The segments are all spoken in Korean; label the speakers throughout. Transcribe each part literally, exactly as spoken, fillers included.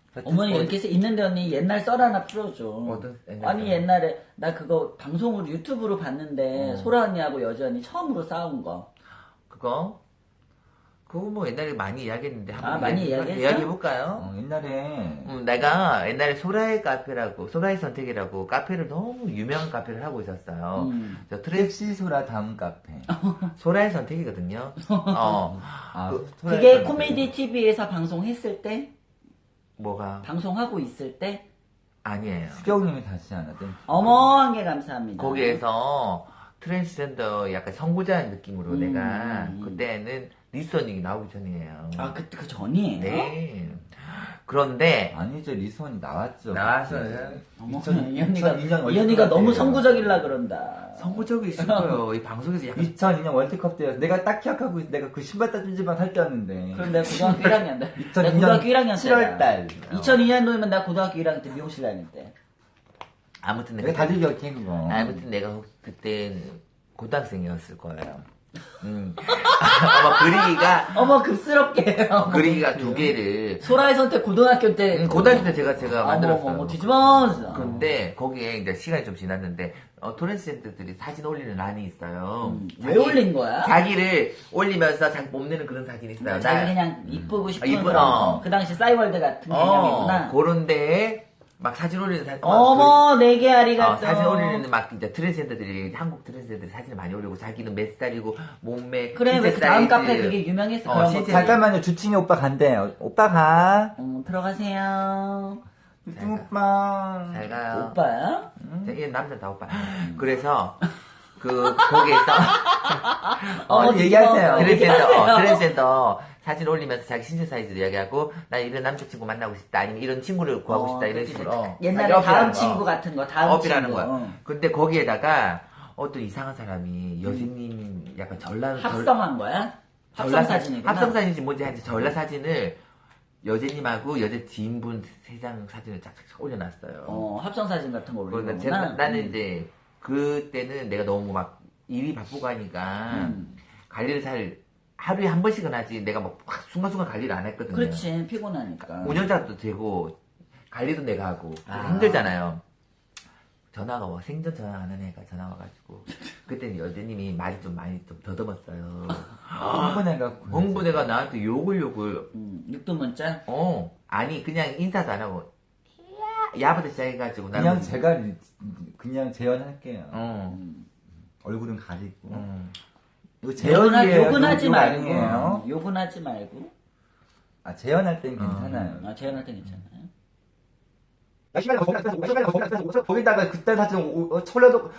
Speaker 1: 어머니
Speaker 2: 어디-
Speaker 1: 이렇게 해서 있는데 언니 옛날 썰 하나 풀어줘.
Speaker 2: 어떤 옛날
Speaker 1: 아니
Speaker 2: 썰?
Speaker 1: 옛날에 나 그거 방송으로 유튜브로 봤는데
Speaker 2: 어.
Speaker 1: 소라 언니하고 여자 언니 처음으로 싸운 거.
Speaker 2: 그거? 그거 뭐 옛날에 많이 이야기했는데 한번
Speaker 1: 아, 많이 이야기했어?
Speaker 2: 이야기해볼까요?
Speaker 3: 어, 옛날에
Speaker 2: 음, 내가 옛날에 소라의 카페라고 소라의 선택이라고 카페를 너무 유명한 카페를 하고 있었어요.
Speaker 1: 음.
Speaker 2: 저 트레스
Speaker 3: 섹시 소라 다음 카페.
Speaker 2: 소라의 선택이거든요. 어,
Speaker 3: 아,
Speaker 2: 그-
Speaker 3: 소라의
Speaker 1: 그게
Speaker 3: 카페.
Speaker 1: 코미디 티비에서 방송했을 때?
Speaker 2: 뭐가
Speaker 1: 방송하고 있을 때?
Speaker 2: 아니에요.
Speaker 3: 수경님이 다시 하나 땡.
Speaker 1: 어머 한 개 감사합니다.
Speaker 2: 거기에서 트랜스젠더 약간 선구자 느낌으로
Speaker 1: 음.
Speaker 2: 내가 그때는 리스닝이 나오기 전이에요.
Speaker 1: 아 그때 그 전이에요?
Speaker 2: 네. 그런데
Speaker 3: 아니죠, 리선이 나왔죠.
Speaker 2: 나왔어요.
Speaker 1: 어머
Speaker 3: 이천-
Speaker 1: 이 언니가
Speaker 3: 이천이 년
Speaker 1: 이 언니가
Speaker 3: 월드컵
Speaker 1: 너무
Speaker 3: 때예요.
Speaker 1: 선구적이라 그런다.
Speaker 2: 선구적이 있을 거예요. 이 방송에서 약간
Speaker 3: 이천이 년 월드컵 때였어. 내가 딱 기억하고 있- 내가 그 신발 따준지만 살 때였는데.
Speaker 1: 그럼 내가 고등학교 일 학년 때.
Speaker 3: 이천이
Speaker 1: 내가
Speaker 3: 년
Speaker 1: 고등학교 일 학년 때.
Speaker 3: 칠월 달.
Speaker 1: 이천이 년도면 나 고등학교 일 학년 때 미용실 다닐 때.
Speaker 2: 아무튼
Speaker 3: 내가
Speaker 2: 내가
Speaker 3: 다들 기억해 그거.
Speaker 2: 아무튼 내가 그때 고등학생이었을 거예요. 음. 아마 그리기가
Speaker 1: 어머 급스럽게.
Speaker 2: 그리기가 두 개를
Speaker 1: 소라의 선택 고등학교 때.
Speaker 2: 음, 고등학교 때 제가 제가 만들었어요.
Speaker 1: 어머 어머 뒤집어.
Speaker 2: 근데 거기에 이제 시간이 좀 지났는데 어, 트랜스젠더들이 사진 올리는 란이 있어요.
Speaker 1: 음, 왜 올린 거야?
Speaker 2: 자기를 올리면서 자기 뽐내는 그런 사진이 있어요.
Speaker 1: 자기
Speaker 2: 나-
Speaker 1: 그냥 이쁘고 싶은
Speaker 2: 아, 이쁘-
Speaker 1: 그런
Speaker 2: 어.
Speaker 1: 거. 그 당시 싸이월드 같은
Speaker 2: 어,
Speaker 1: 개념이구나.
Speaker 2: 그런데 막 사진 올리는 사진
Speaker 1: 어머 내게
Speaker 2: 어,
Speaker 1: 아리가또.
Speaker 2: 사진 올리는 막 이제 트랜스젠더들이 한국 트랜스젠더들이 사진을 많이 올리고 자기는 몇 살이고 몸매
Speaker 1: 그래 왜
Speaker 2: 신체
Speaker 1: 그 다음
Speaker 2: 사이즈.
Speaker 1: 카페 그게 유명했어
Speaker 2: 어,
Speaker 1: 그런 거.
Speaker 2: 실제-
Speaker 3: 잠깐만요, 주친이 오빠 간대요. 오빠 가.
Speaker 1: 어, 들어가세요.
Speaker 3: 주친 오빠.
Speaker 2: 잘 가요.
Speaker 1: 오빠야?
Speaker 2: 얘 남자 다 오빠. 그래서 그 거기에서
Speaker 1: 어,
Speaker 3: 어, 얘기하세요.
Speaker 2: 트랜스젠더 어, 트랜스젠더 사진 올리면서 자기 신체 사이즈도 이야기하고 나 이런 남자친구 만나고 싶다 아니면 이런 친구를 구하고 싶다 이런
Speaker 1: 그치,
Speaker 2: 식으로
Speaker 1: 그치.
Speaker 2: 어,
Speaker 1: 옛날에
Speaker 2: 자기
Speaker 1: 다음
Speaker 2: 어필하는
Speaker 1: 친구
Speaker 2: 거.
Speaker 1: 같은 거 다음
Speaker 2: 어필하는
Speaker 1: 친구.
Speaker 2: 거야.
Speaker 1: 어.
Speaker 2: 근데 거기에다가 어떤 이상한 사람이 여진님 약간 전라
Speaker 1: 합성한 거야? 합성
Speaker 2: 전라
Speaker 1: 사진이구나.
Speaker 2: 합성 사진인지 뭔지 하여튼 전라 사진을 여진님하고 여자 지인분 세 장 사진을 쫙쫙 올려놨어요.
Speaker 1: 어, 합성 사진 같은 거 올린
Speaker 2: 그러니까
Speaker 1: 거구나.
Speaker 2: 제가, 나는 이제 그때는 내가 너무 막 일이 바쁘고 하니까
Speaker 1: 음.
Speaker 2: 관리를 잘 하루에 한 번씩은 하지 내가 막 순간순간 관리를 안 했거든요.
Speaker 1: 그렇지 피곤하니까.
Speaker 2: 운영자도 되고 관리도 내가 하고
Speaker 1: 아.
Speaker 2: 힘들잖아요. 전화가 와 생전 전화 안 하는 애가 전화 와가지고 그때는 여자님이 말이 좀 많이 좀 더듬었어요.
Speaker 3: 흥분해갖고.
Speaker 2: 홍부대가 나한테 욕을 욕을
Speaker 1: 음, 육두 문자.
Speaker 2: 어 아니 그냥 인사도 안 하고 야 야부터 시작해가지고 나는
Speaker 3: 그냥 제가 리- 그냥 재연할게요.
Speaker 2: 어.
Speaker 1: 음.
Speaker 3: 얼굴은 가리고.
Speaker 2: 음.
Speaker 3: 이거
Speaker 1: 욕은, 하,
Speaker 3: 재연이에요.
Speaker 1: 욕은 하지
Speaker 3: 욕
Speaker 1: 말고.
Speaker 3: 아니에요.
Speaker 1: 욕은 하지 말고.
Speaker 3: 아, 재연할 땐 괜찮아요.
Speaker 1: 아, 재현할 때 괜찮아요.
Speaker 3: 야, 시간이 거기 갔다, 시간이 거기 갔다, 거기다가 그때 사진 오- 어, 철려놓고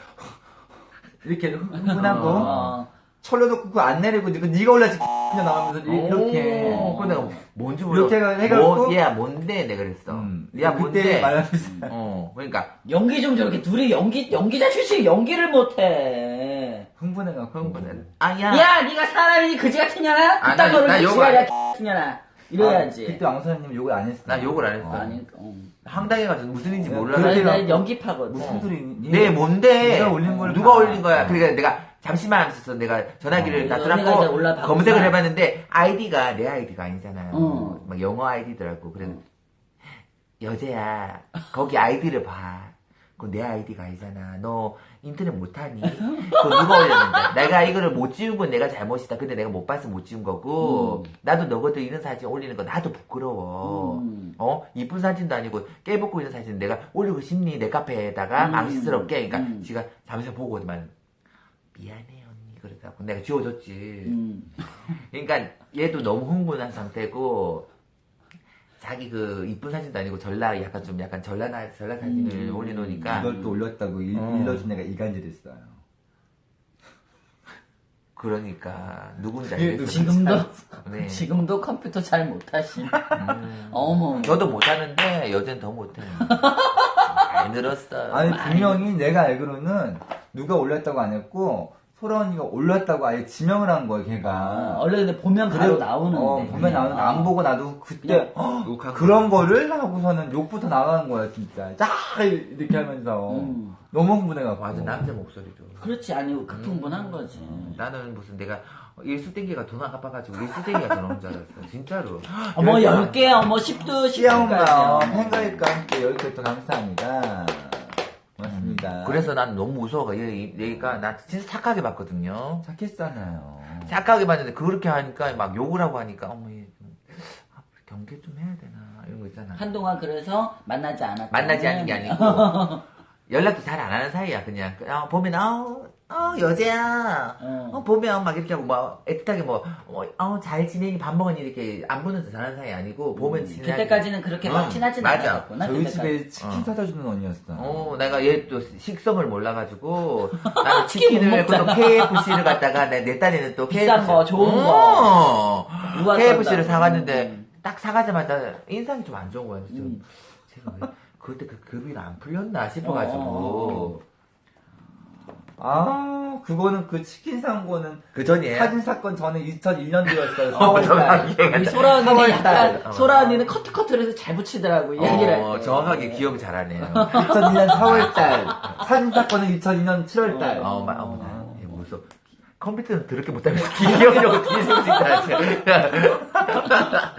Speaker 3: 이렇게 흥분하고
Speaker 1: 어.
Speaker 3: 철려놓고 그거 안 내리고 이거 네가 올라지 그냥 나오면서 이- 이렇게
Speaker 2: 오, 그거 내가 뭔지 몰라.
Speaker 3: 이렇게 해갖고
Speaker 2: 뭐, 야 뭔데 내가 그랬어.
Speaker 3: 음,
Speaker 2: 야
Speaker 3: 그때
Speaker 2: 뭔데.
Speaker 3: 말하면서
Speaker 2: 어 그러니까
Speaker 1: 연기 좀 저렇게 둘이 연기 연기자 출신 연기를 못해.
Speaker 3: 흥분해갖고
Speaker 2: 흥분해. 아야.
Speaker 1: 야, 네가 사람이 그지 같은 년아?
Speaker 2: 아,
Speaker 1: 그딴
Speaker 2: 나-
Speaker 1: 거를
Speaker 2: 나
Speaker 1: 왜
Speaker 2: 욕
Speaker 1: 지랄이야,
Speaker 2: 안-
Speaker 1: 같은 년아. 이래야지.
Speaker 3: 아, 그때 왕선생님 욕을 안 했어.
Speaker 2: 나 욕을 안 했어.
Speaker 1: 어, 아니, 어.
Speaker 2: 황당해가지고 무슨 일인지
Speaker 3: 어,
Speaker 2: 몰라.
Speaker 3: 그래.
Speaker 1: 나,
Speaker 3: 그렇게
Speaker 1: 나 연기파거든.
Speaker 3: 무슨
Speaker 2: 어.
Speaker 3: 소리니?
Speaker 2: 네 뭔데.
Speaker 3: 누가 올린 걸
Speaker 2: 누가
Speaker 3: 봐.
Speaker 2: 올린 거야.
Speaker 3: 어.
Speaker 2: 그러니까 내가 잠시만 하면서 내가 전화기를
Speaker 1: 어,
Speaker 2: 다
Speaker 1: 언니가 이제
Speaker 2: 들었고
Speaker 1: 올라봤구나.
Speaker 2: 검색을 해봤는데 아이디가 내 아이디가 아니잖아요.
Speaker 1: 어.
Speaker 2: 막 영어 아이디더라고. 그래서 여자야 거기 아이디를 봐. 그거 내 아이디가 아니잖아. 너 인터넷 못하니? 그거 누가 올렸는데? 내가 이거를 못 지운 건 내가 잘못이다. 근데 내가 못 봐서 못 지운 거고
Speaker 1: 음.
Speaker 2: 나도 너거든 이런 사진 올리는 거 나도 부끄러워.
Speaker 1: 음.
Speaker 2: 어? 이쁜 사진도 아니고 깨벗고 있는 사진 내가 올리고 싶니? 내 카페에다가
Speaker 1: 음.
Speaker 2: 망신스럽게. 그러니까
Speaker 1: 음.
Speaker 2: 지가 잠시 보고만 미안해 언니 그러다고 내가 지워줬지.
Speaker 1: 음.
Speaker 2: 그러니까 얘도 너무 흥분한 상태고 자기 그 이쁜 사진도 아니고 전라 약간 좀 약간 전라 전라 사진을
Speaker 1: 음.
Speaker 2: 올려놓으니까
Speaker 3: 이걸 또 올렸다고 일,
Speaker 2: 어.
Speaker 3: 일러준 애가 이간질했어요.
Speaker 2: 그러니까 누군지
Speaker 3: 그게
Speaker 2: 알겠어.
Speaker 1: 지금도,
Speaker 2: 네.
Speaker 1: 지금도 컴퓨터 잘 못하시.
Speaker 2: 음.
Speaker 1: 어머.
Speaker 2: 저도 못하는데 여전 더 못해. 많이 늘었어요.
Speaker 3: 아니
Speaker 2: 많이.
Speaker 3: 분명히 내가 알기로는 누가 올렸다고 안 했고 소라 언니가 올렸다고 아예 지명을 한 거야, 걔가.
Speaker 1: 아, 원래 근데 보면 바로 나오는데.
Speaker 3: 어, 보면 나오는데 안 보고 나도 그때
Speaker 1: 그냥
Speaker 3: 헉, 그런 거를 하고서는 욕부터 나가는 거야, 진짜. 쫙 이렇게 하면서.
Speaker 1: 음.
Speaker 3: 너무 흥분해가지고.
Speaker 2: 맞아, 남자 목소리도.
Speaker 1: 그렇지, 아니, 극풍분한 거지.
Speaker 2: 나는 무슨 내가 일수땡기가 돈 안 갚아가지고 일수땡기가 전화온 줄 알았어. 진짜로.
Speaker 1: 어머, 열 개, 어머, 십두,
Speaker 3: 시아엄마
Speaker 1: 십두까지.
Speaker 3: 팬가입과 함께 여기까지 또 감사합니다. 고맙습니다.
Speaker 2: 그래서 난 너무 무서워가. 얘, 얘가 나 진짜 착하게 봤거든요.
Speaker 3: 착했잖아요.
Speaker 2: 착하게 봤는데 그렇게 하니까 막 욕을 하고 하니까 어머 얘 좀, 아, 경계 좀 해야 되나 이런 거 있잖아.
Speaker 1: 한동안 그래서 만나지 않았다.
Speaker 2: 만나지 않는 게 아니고 연락도 잘 안 하는 사이야. 그냥 어, 보면 어, 어 여자야.
Speaker 1: 어.
Speaker 2: 어, 보면 막 이렇게 하고 막 애틋하게 뭐어잘 지내니 밥 먹으니 이렇게 안 보는 듯 하는 사이 아니고 보면 지내.
Speaker 1: 그때까지는 그렇게 막
Speaker 2: 응,
Speaker 1: 친하진
Speaker 2: 맞아.
Speaker 1: 않았구나.
Speaker 3: 저희
Speaker 1: 그때까지.
Speaker 3: 집에 치킨
Speaker 2: 어.
Speaker 3: 사다 주는 언니였어.
Speaker 2: 어, 내가 얘 또 식성을 몰라가지고, 나는
Speaker 1: 치킨 못
Speaker 2: 치킨을, 또
Speaker 1: 먹잖아.
Speaker 2: 케이에프씨를 갖다가, 내, 내 딸에는 또
Speaker 1: 비싼
Speaker 2: 케이에프씨.
Speaker 1: 거, 좋은
Speaker 2: 거.
Speaker 1: 유아
Speaker 2: 케이에프씨를
Speaker 1: 쏜다고.
Speaker 2: 사갔는데,
Speaker 1: 음.
Speaker 2: 딱 사가자마자 인상이 좀 안 좋은 거야. 그래서
Speaker 1: 음.
Speaker 2: 제가 왜, 그때 그 급이 안 풀렸나 싶어가지고.
Speaker 1: 어.
Speaker 3: 아, 그거는 그 치킨 산 거는
Speaker 2: 그 전이에요?
Speaker 3: 사진 사건 전에 이천일 년도였어요.
Speaker 2: 어,
Speaker 3: 사월달.
Speaker 1: 우리 소라 언니는
Speaker 3: 사월달.
Speaker 1: 약간, 소라 언니는 커트커트를 해서 잘 붙이더라고, 이야기를 할
Speaker 2: 어,
Speaker 1: 때.
Speaker 2: 정확하게 기억 잘하네요.
Speaker 3: 이천일 년 사월달. 사진 사건은 이천이 년 칠월달.
Speaker 2: 어, 마, 어, 나, 얘 무서워. 컴퓨터는 더럽게 못하면 기억력을 어떻게 세울 수 있다.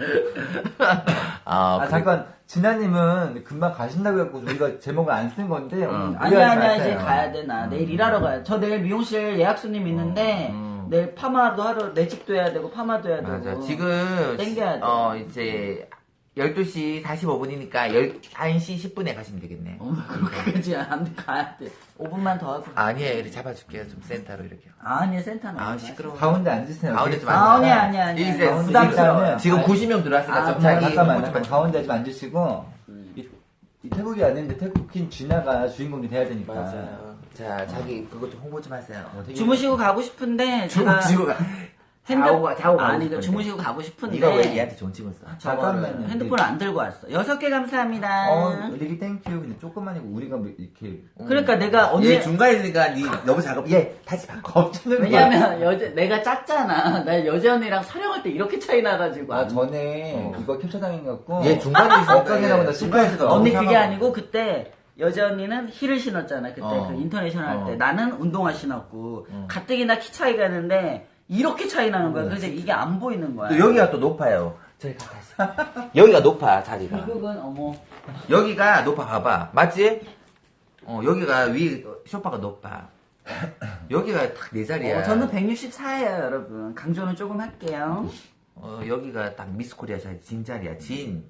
Speaker 2: 아,
Speaker 3: 아,
Speaker 2: 그래.
Speaker 3: 잠깐, 진아님은 금방 가신다고 해갖고 우리가 제목을 안 쓴 건데.
Speaker 2: 응.
Speaker 1: 아니야, 아니야,
Speaker 3: 마세요.
Speaker 1: 이제 가야 돼, 나. 내일 일하러 가야 저 내일 미용실 예약 손님 있는데,
Speaker 2: 음.
Speaker 1: 내일 파마도 하러, 매직도 해야 되고, 파마도 해야 되고.
Speaker 2: 맞아. 지금,
Speaker 1: 땡겨야 돼.
Speaker 2: 어, 이제, 열두 시 사십오 분이니까 열한 시 십 분에 가시면 되겠네.
Speaker 1: 어, 그렇게까지 안 돼, 가야 돼. 오 분만 더 하고.
Speaker 2: 아니에요. 이렇게 잡아줄게요. 좀 센터로 이렇게.
Speaker 1: 아니, 센터는.
Speaker 2: 아,
Speaker 1: 안
Speaker 2: 시끄러워.
Speaker 3: 가운데 앉으세요.
Speaker 2: 가운데 좀
Speaker 1: 아,
Speaker 2: 앉아.
Speaker 1: 아니야, 아니야, 아니야.
Speaker 2: 이제
Speaker 1: 너무 부담스러워요.
Speaker 2: 지금
Speaker 1: 아니,
Speaker 2: 구십 명 들어왔으니까
Speaker 1: 아,
Speaker 2: 좀
Speaker 1: 뭐,
Speaker 2: 자기
Speaker 3: 잠깐만,
Speaker 2: 홍보 좀
Speaker 3: 잠깐
Speaker 2: 해줘.
Speaker 3: 가운데 좀 앉으시고. 이, 이 태국이 왔는데 태국인 진아가 주인공이 돼야 되니까.
Speaker 2: 맞아요. 자, 자기 그것 좀 홍보 좀 하세요.
Speaker 3: 어, 되게-
Speaker 1: 주무시고 가고 싶은데, 제가.
Speaker 2: 주무시고 가.
Speaker 1: 핸드...
Speaker 2: 자고 가- 자고 가고
Speaker 1: 아니, 그
Speaker 2: 싶은데.
Speaker 1: 주무시고 가고 싶은데.
Speaker 2: 네가 왜 얘한테 존칭을 써?
Speaker 1: 저거를
Speaker 3: 잠깐만요.
Speaker 1: 핸드폰을 안 들고 왔어. 여섯 개 감사합니다.
Speaker 3: 어, 리기 땡큐. 근데 조금만이고 우리가 뭐 이렇게.
Speaker 1: 그러니까 내가 언니.
Speaker 2: 얘 중간에 있으니까 니 너무 작업. 얘 다시 바꿔.
Speaker 3: 겁주는
Speaker 1: 왜냐면 여자 내가 짰잖아. 나 여자 언니랑 촬영할 때 이렇게 차이 나가지고.
Speaker 3: 아, 전에
Speaker 2: 어.
Speaker 3: 이거 캡처 당해갖고.
Speaker 2: 얘 중간에 있으니까.
Speaker 3: 엇강이라고 나
Speaker 2: 얘
Speaker 3: 실패했어.
Speaker 1: 언니 그게
Speaker 3: 사과하고.
Speaker 1: 아니고 그때 여자 언니는 힐을 신었잖아. 그때
Speaker 2: 어.
Speaker 1: 그 인터내셔널 할 때
Speaker 2: 어.
Speaker 1: 나는 운동화 신었고
Speaker 2: 어.
Speaker 1: 가뜩이나 키 차이가 있는데 이렇게 차이 나는 거야.
Speaker 3: 어,
Speaker 1: 그래서 이게 안 보이는 거야.
Speaker 2: 또 여기가 또 높아요. 저기 가까이. 여기가 높아, 자리가.
Speaker 1: 결국은 어머.
Speaker 2: 여기가 높아, 봐봐. 맞지? 어, 여기가 위, 쇼파가 높아. 여기가 딱 내 자리야.
Speaker 1: 어, 저는 백육십사예요, 여러분. 강조는 조금 할게요.
Speaker 2: 어, 여기가 딱 미스 코리아 자리, 진 자리야. 진,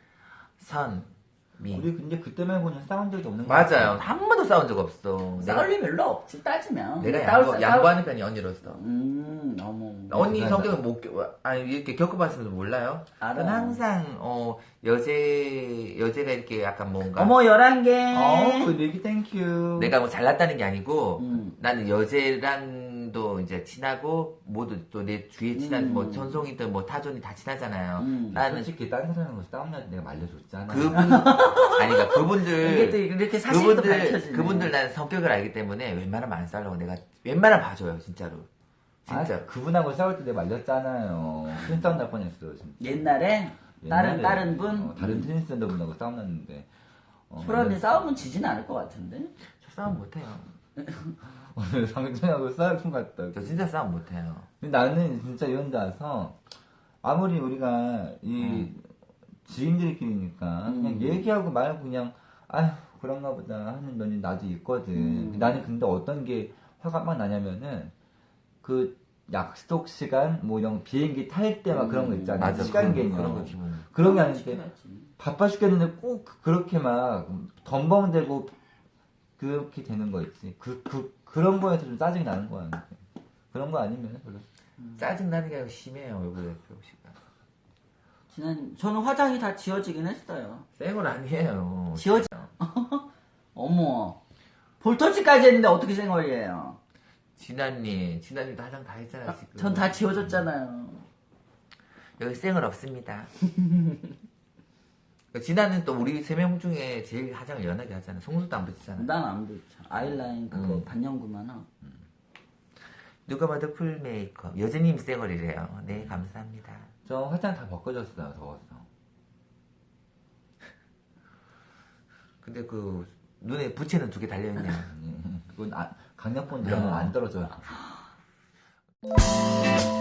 Speaker 2: 선, 미.
Speaker 3: 우리 근데 그때 말고는 싸운 적이 없는 거
Speaker 2: 맞아요. 한 번도 싸운 적 없어. 내가,
Speaker 1: 싸울 일 별로 없지, 따지면.
Speaker 2: 내가
Speaker 1: 싸울-
Speaker 2: 양보,
Speaker 1: 싸울-
Speaker 2: 양보하는 편이 언니로서.
Speaker 1: 음, 어머.
Speaker 2: 언니
Speaker 3: 그래서-
Speaker 2: 성격은 못, 겪- 아니, 이렇게 겪어봤으면 몰라요?
Speaker 1: 알아.
Speaker 2: 난 항상, 어, 여제, 여제가 이렇게 약간 뭔가.
Speaker 1: 어머, 열한 개.
Speaker 3: 어, 리기 땡큐.
Speaker 2: 내가 뭐 잘났다는 게 아니고,
Speaker 1: 음.
Speaker 2: 나는 여제랑도 이제 친하고, 모두 또 내 주위에 친한,
Speaker 1: 음.
Speaker 2: 뭐, 전송이든 뭐, 타존이 다 친하잖아요.
Speaker 1: 음.
Speaker 2: 나는
Speaker 3: 솔직히 다른 사람하고 싸움날 때 내가 말려줬잖아.
Speaker 2: 그분, 아니, 그러니까
Speaker 1: 이게 또
Speaker 2: 그분들,
Speaker 1: 이렇게 사실도
Speaker 2: 그분들,
Speaker 1: 밝혀지네.
Speaker 2: 그분들 나는 성격을 알기 때문에 웬만하면 안 싸우려고 내가, 웬만하면 봐줘요, 진짜로. 진짜.
Speaker 3: 아, 그분하고 싸울 때 내가 말렸잖아요. 큰 싸움 날 뻔했어요, 진짜.
Speaker 1: 옛날에 다른
Speaker 3: 옛날에,
Speaker 1: 다른 분
Speaker 3: 어, 다른 테니스 센터 분하고 싸움 났는데. 어,
Speaker 1: 소란이 싸우면 지진 않을 것 같은데.
Speaker 2: 저 싸움 못해요.
Speaker 3: 오늘 상준하고 싸울 것 같다.
Speaker 2: 저 진짜 싸움 못해요.
Speaker 3: 근데 나는 진짜 이런 데 와서 아무리 우리가 이 지인들끼리니까
Speaker 1: 음.
Speaker 3: 그냥 얘기하고 말고 그냥 아휴 그런가 보다 하는 면이 나도 있거든.
Speaker 1: 음.
Speaker 3: 나는 근데 어떤 게 화가 막 나냐면은 그 약속 시간 뭐 이런 비행기 탈 때 막 그런 거 있잖아.
Speaker 2: 맞아.
Speaker 3: 시간
Speaker 2: 그런,
Speaker 3: 개념.
Speaker 2: 그런 거 기분.
Speaker 3: 그런 게 아닌데
Speaker 1: 지켜야지.
Speaker 3: 바빠 죽겠는데 꼭 그렇게 막 덤벙대고 그렇게 되는 거 있지. 그, 그, 그런 거에서 좀 짜증이 나는 거야. 그런 거 아니면 별로.
Speaker 2: 짜증나는 게 아니고 심해요, 얼굴에 표시가.
Speaker 1: 지난 저는 화장이 다 지워지긴 했어요.
Speaker 2: 쌩얼 아니에요.
Speaker 1: 지워지. 어머. 볼터치까지 했는데 어떻게 생얼이에요?
Speaker 2: 진아님, 진아님도 화장 다 했잖아, 지금.
Speaker 1: 전 다 지워졌잖아요.
Speaker 2: 여기 쌩얼 없습니다. 진아는 또 우리 세 명 중에 제일 화장을 연하게 하잖아. 속눈도 안 붙이잖아.
Speaker 1: 난 안 붙여. 아이라인 그거
Speaker 2: 음.
Speaker 1: 반영구만 하고.
Speaker 2: 누가 봐도 풀 메이크업. 여전히 쌩얼이래요. 네, 감사합니다.
Speaker 3: 저 화장 다 벗겨졌어요. 더워서.
Speaker 2: 근데 그 눈에 부채는 두 개 달려있냐.
Speaker 3: 예. 그건 아, 강력본 들어가면 안 떨어져요.